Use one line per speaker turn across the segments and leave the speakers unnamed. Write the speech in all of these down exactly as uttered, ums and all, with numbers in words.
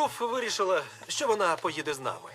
Руф вирішила, що вона поїде з нами.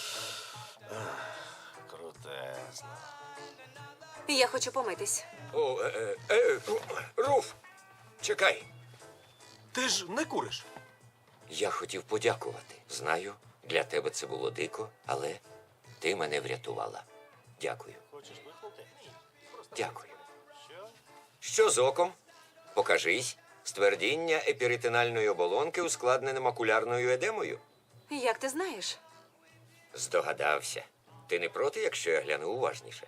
Крутезно.
Я хочу помитись.
О, е, е, е, Руф, чекай.
Ти ж не куриш.
Я хотів подякувати. Знаю, для тебе це було дико, але ти мене врятувала. Дякую.
Хочеш вихнути?
Дякую.
Що?
Що з оком? Покажись. Ствердіння епіритинальної оболонки ускладнене макулярною едемою.
Як ти знаєш?
Здогадався. Ти не проти, якщо я гляну уважніше?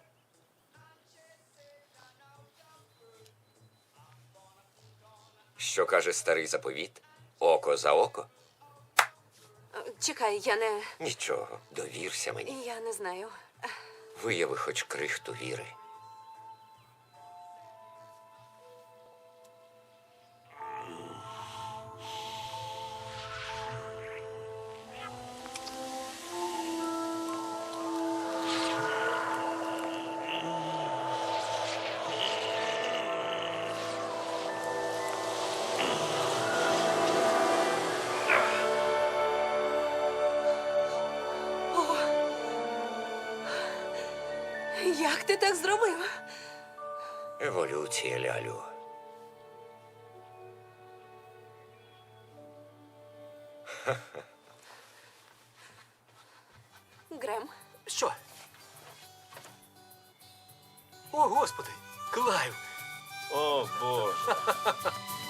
Що каже старий заповіт? Око за око?
Е, Чекай, я не.
Нічого, довірся мені.
Я не знаю.
Вияви хоч крихту віри.
Як ти так зробив?
Еволюція, Лялю.
Грем,
Що? О, Господи! Клайв!
О, Боже.